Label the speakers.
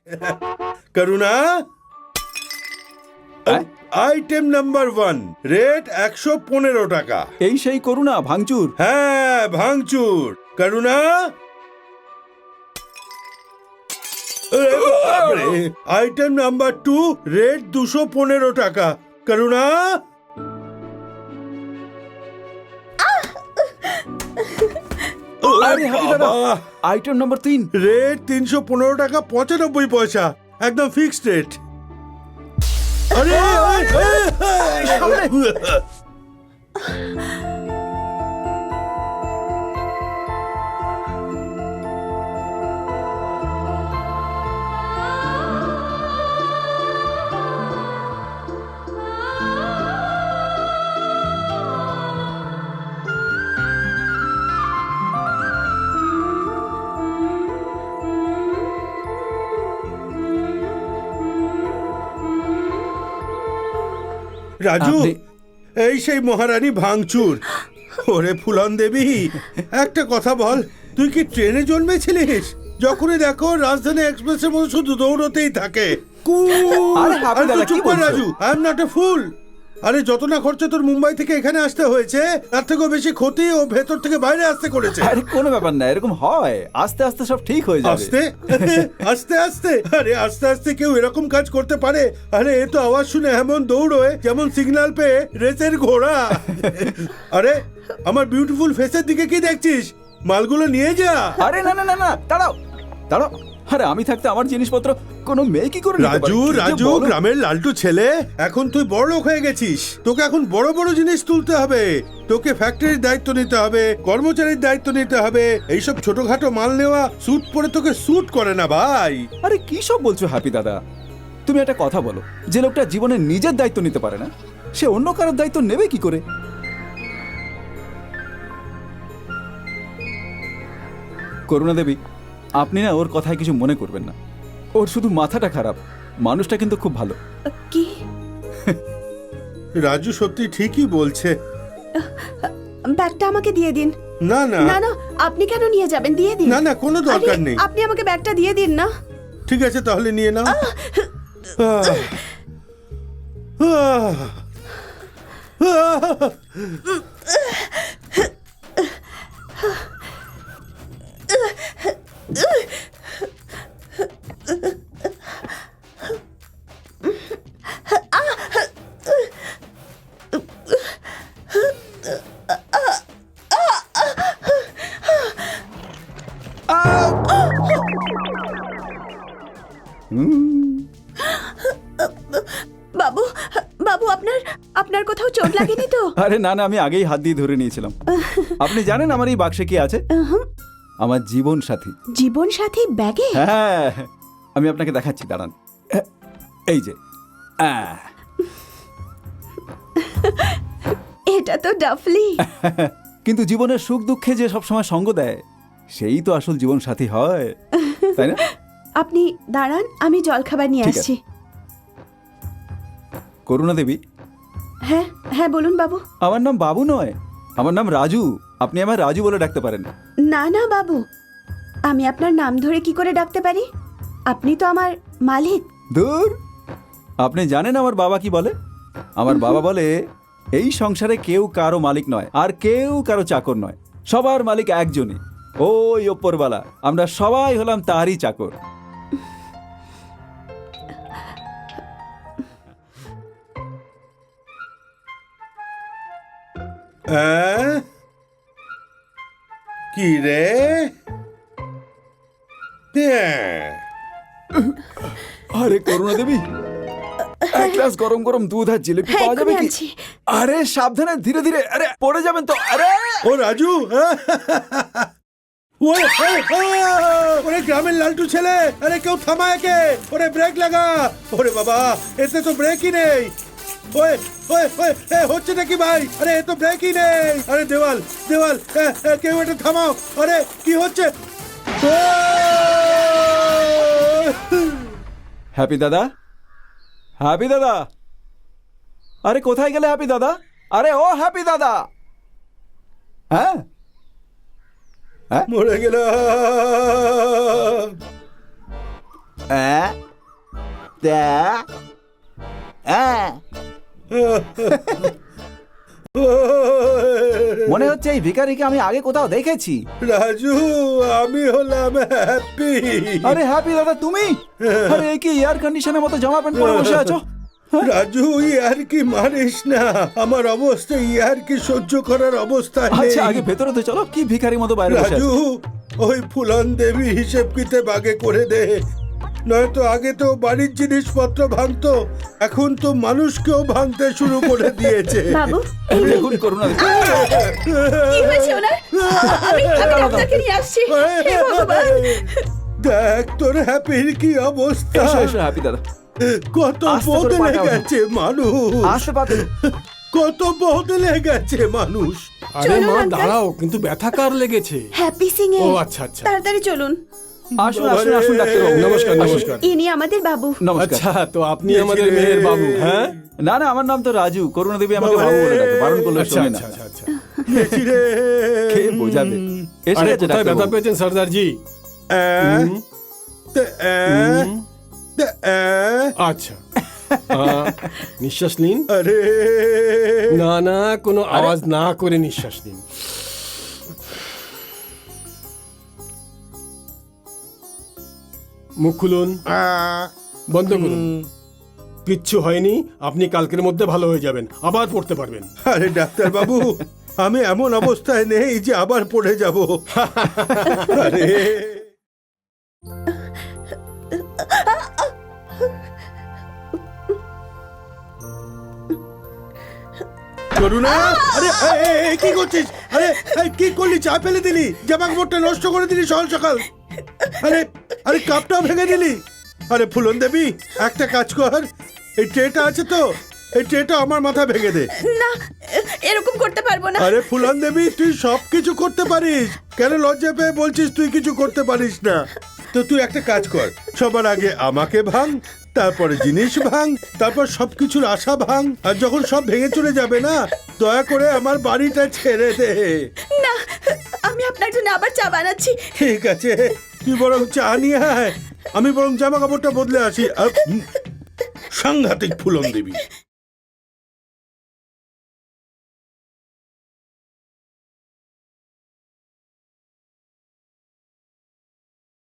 Speaker 1: করুণা, item number 1, rate 115 টাকা।
Speaker 2: এই সেই করুণা ভাঙচুর।
Speaker 1: হ্যাঁ, ভাঙচুর। করুণা, আইটেম নাম্বার 2, রেট 215 টাকা। করুণা,
Speaker 2: আরে হাবি দাদা, আইটেম নাম্বার 3,
Speaker 1: রেট 315 টাকা 95 পয়সা, একদম ফিক্সড রেট। আরে রাজু, এই সেই মহারানী ভাঙচুর। ওরে ফুলন দেবী, একটা কথা বল, তুই কি ট্রেনে জন্মেছিলিস? যখনই দেখো রাজধানী এক্সপ্রেসের মতো শুধু দৌড়তেই থাকে।
Speaker 2: আরে হাবি দাদা, কি বলছো?
Speaker 1: Raju, I am not a fool. আরে যত না খরচা তোর মুম্বাই থেকে এখানে আসতে হয়েছে, তার থেকেও বেশি ক্ষতি ও ভেতর থেকে বাইরে আসতে করেছে।
Speaker 2: আরে কোনো ব্যাপার না, এরকম হয়, আস্তে আস্তে সব ঠিক হয়ে যাবে।
Speaker 1: আস্তে আস্তে আস্তে? আরে আস্তে আস্তে কেউ এরকম কাজ করতে পারে? আরে এ তো আওয়াজ শুনে এমন দৌড়োয় যেমন সিগন্যাল পেয়ে রেসের ঘোড়া। আরে আমার বিউটিফুল ফেসের দিকে কি দেখছিস? মালগুলো নিয়ে যা।
Speaker 2: আরে না না না না, দাঁড়াও দাঁড়াও। আরে আমি থাকতে আমার জিনিসপত্র কোনো মেয়ে কি করে নিতে পারে?
Speaker 1: রাজু,
Speaker 2: কি যে
Speaker 1: রাজু,
Speaker 2: বলো।
Speaker 1: গ্রামের লালটু ছেলে, এখন তুই বড় লোক হয়ে গেছিস। তোকে এখন বড় বড় জিনিস তুলতে হবে। তোকে ফ্যাক্টরির দায়িত্ব নিতে হবে, কর্মচারীর দায়িত্ব নিতে হবে। এইসব ছোটখাটো মাল নেওয়া স্যুট পরে তোকে স্যুট করে না ভাই।
Speaker 2: আরে কি সব বলছো হ্যাপি দাদা? তুমি একটা কথা বলো, যে লোকটা জীবনে নিজের দায়িত্ব নিতে পারে না, সে অন্য কারোর দায়িত্ব নেবে কি করে? করুণা দেবী, আপনি না ওর কথায় কিছু মনে করবেন না। ওর শুধু মাথাটা খারাপ, মানুষটা কিন্তু খুব ভালো।
Speaker 3: কি?
Speaker 1: রাজু সত্যি ঠিকই বলছে।
Speaker 3: ব্যাগটা আমাকে দিয়ে দিন।
Speaker 1: না না
Speaker 3: না না, আপনি কেন নিয়ে যাবেন? দিয়ে দিন।
Speaker 1: না না, কোনো দরকার
Speaker 3: আরে,
Speaker 1: নেই।
Speaker 3: আপনি আমাকে ব্যাগটা দিয়ে দিন না।
Speaker 1: ঠিক আছে, তাহলে নিয়ে নাও।
Speaker 3: বাবু, বাবু, আপনার আপনার কোথাও চোট লাগেনি তো?
Speaker 2: আরে না না, আমি আগেই হাত দিয়ে ধরে নিয়েছিলাম। আপনি জানেন আমার এই বাক্সে কি আছে? আমার জীবন সাথী।
Speaker 3: জীবন সাথী ব্যাগে?
Speaker 2: হ্যাঁ, আমি আপনাকে দেখাচ্ছি, দাঁড়ান। এই যে,
Speaker 3: এটা তো ডাফলি।
Speaker 2: কিন্তু জীবনের সুখ দুঃখে যে সবসময় সঙ্গ দেয়, সেই তো আসল জীবন সাথী হয়, তাই না?
Speaker 3: আপনি দাঁড়ান, আমি জলখাবার নিয়ে
Speaker 2: ঠিক আছে।
Speaker 3: আসছি।
Speaker 2: করুণা দেবী,
Speaker 3: হ্যাঁ হ্যাঁ, বলুন বাবু।
Speaker 2: আমার নাম বাবু নয়, আমার নাম রাজু। আপনি আমার রাজু বলে ডাকতে পারেন।
Speaker 3: না না বাবু, আমি আপনার নাম ধরে কি করে ডাকতে পারি? আপনি তো আমার মালিক।
Speaker 2: দূর, আপনি জানেন আমার বাবা কি বলে? আমার বাবা বলে, এই সংসারে কেউ কারো মালিক নয়, আর কেউ কারো চাকর নয়, সবার মালিক একজনই, ওই ওপরওয়ালা। আমরা সবাই হলাম তারই চাকর।
Speaker 1: কি রে?
Speaker 2: আরে করুণা দেবী, এক গ্লাস গরম গরম দুধ আর জিলিপি
Speaker 3: হ্যাঁ,
Speaker 2: পাওয়া যাবে
Speaker 3: এক্ষুনি
Speaker 2: কি?
Speaker 3: আনছি।
Speaker 2: আরে সাবধানে, ধীরে ধীরে, আরে পড়ে যাবেন তো। আরে
Speaker 1: ও রাজু, ওরে গ্রামের লালটু ছেলে, আরে কেউ থামা একে। ওরে ব্রেক লাগা। ওরে বাবা, এতে তো ব্রেকই নেই। ওয়ে ওয়ে ওয়ে, হচ্ছে নাকি ভাই? আরে এ তো ব্রেকই নেই। আরে দেওয়াল দেওয়াল, কেউ এটা থামাও। আরে কি হচ্ছে?
Speaker 2: হ্যাপি দাদা, হ্যাপি দাদা, আরে কোথায় গেলে হ্যাপি দাদা? আরে ও হ্যাপি দাদা, হ্যাঁ
Speaker 1: মরে গেলাম।
Speaker 2: মনে হচ্ছে এই ভিখারিকে আমি আগে কোথাও দেখেছি।
Speaker 1: রাজু, আমি হলাম হ্যাপি।
Speaker 2: আরে হ্যাপি দাদা তুমি? আরে এই কি এয়ার কন্ডিশনের মতো জামা প্যান্ট পরে বসে আছো?
Speaker 1: রাজু, ইয়ার কি মানিস না? আমার অবস্থা ইয়ার কি সহ্য করার অবস্থা নেই।
Speaker 2: আচ্ছা আগে ভেতরে তো চলো, কি ভিখারি মতো বাইরে বসে
Speaker 1: রাজু,
Speaker 2: আছো?
Speaker 1: ওই ফুলন দেবী হিসেব কিতাব আগে করে দে, নয়তো আগে তো বাড়ির জিনিসপত্র ভাঙতো, এখন তো মানুষকেও ভাঙতে শুরু করে দিয়েছে।
Speaker 3: বাবু, এই নিন।
Speaker 2: দেখুন করুণা দেখুন।
Speaker 3: কি হয়েছে ওনার? আমি ডাক্তারকে নিয়ে আসছি। হে ভগবান।
Speaker 1: দেখ তোর হ্যাপির কি অবস্থা।
Speaker 2: এসো এসো হ্যাপি দাদা,
Speaker 1: কত
Speaker 2: আস্তে করে
Speaker 1: বদলে
Speaker 2: পাটা ওঠো।
Speaker 1: গেছে মানুষ,
Speaker 2: আসতে পারো।
Speaker 1: কত বদলে গেছে মানুষ।
Speaker 4: আরে
Speaker 3: চলুন,
Speaker 4: মা
Speaker 3: আঙ্কেল।
Speaker 4: দাঁড়াও, কিন্তু ব্যথা কার লেগেছে?
Speaker 3: হ্যাপি সিং এর।
Speaker 4: ও আচ্ছা আচ্ছা
Speaker 3: তাড়াতাড়ি চলুন।
Speaker 2: আসুন আসুন আসুন ডাক্তারবাবু।
Speaker 4: নমস্কার নমস্কার।
Speaker 3: ইনি আমাদের বাবু।
Speaker 2: নমস্কার।
Speaker 4: আচ্ছা, তো আপনি আমাদের মেয়ের বাবু? হ্যাঁ,
Speaker 2: না না, আমার নাম তো রাজু। করুণা দেবী আমাকে
Speaker 1: বাবা
Speaker 2: বাবু
Speaker 1: রে।
Speaker 2: বলে ডাকে, বারণ করলে
Speaker 4: আচ্ছা
Speaker 2: শোনে না।
Speaker 4: আচ্ছা আচ্ছা।
Speaker 1: গেছি রে।
Speaker 2: কে বোঝাবে? এসে
Speaker 4: আরে
Speaker 2: গেছে
Speaker 4: কোথায় ব্যথা
Speaker 2: ডাক্তারবাবু।
Speaker 4: পেয়েছেন সর্দারজি?
Speaker 1: আহ, তে, আহ, তে, আহ,
Speaker 4: আচ্ছা, নিঃশ্বাস নিন।
Speaker 1: আরে
Speaker 4: না না, কোনো আওয়াজ না করে নিঃশ্বাস নিন। মুখ খুলুন, বন্ধ করুন। কিচ্ছু হয়নি, আপনি কালকের মধ্যে ভালো হয়ে যাবেন, আবার পড়তে পারবেন।
Speaker 1: আরে ডাক্তার বাবু, আমি এমন অবস্থায় নেই যে আবার পড়ে যাব। আরে করুণা, আরে কি করছিস? আরে কি করলি? চা ফেলে দিলি, জামা কাপড়টা নষ্ট করে দিলি সকাল সকাল। আরে আরে কাপটাও ভেঙে দিলি। আরে ফুলন দেবী, একটা কাজ কর, এই ট্রেটা আছে তো, এই ট্রেটা আমার মাথা ভেঙে দে।
Speaker 3: না, এরকম করতে পারবো না।
Speaker 1: আরে ফুলন দেবী, তুই সব কিছু করতে পারিস, কেন লজ্জা পেয়ে বলছিস তুই কিছু করতে পারিস না? তো তুই একটা কাজ কর, সবার আগে আমাকে ভাঙ, তারপরে জিনিস ভাঙ, তারপর সবকিছুর আশা ভাঙ, আর যখন সব ভেঙে চলে যাবে না, দয়া করে আমার বাড়িটা ছেড়ে দে।
Speaker 3: না, আমি আপনার জন্য আবার চা বানাচ্ছি।
Speaker 1: ঠিক আছে, তুই বরং চা নিয়ে আয়, আমি বরং জামা কাপড়টা বদলে আসি। সাংঘাতিক ফুলন দেবী।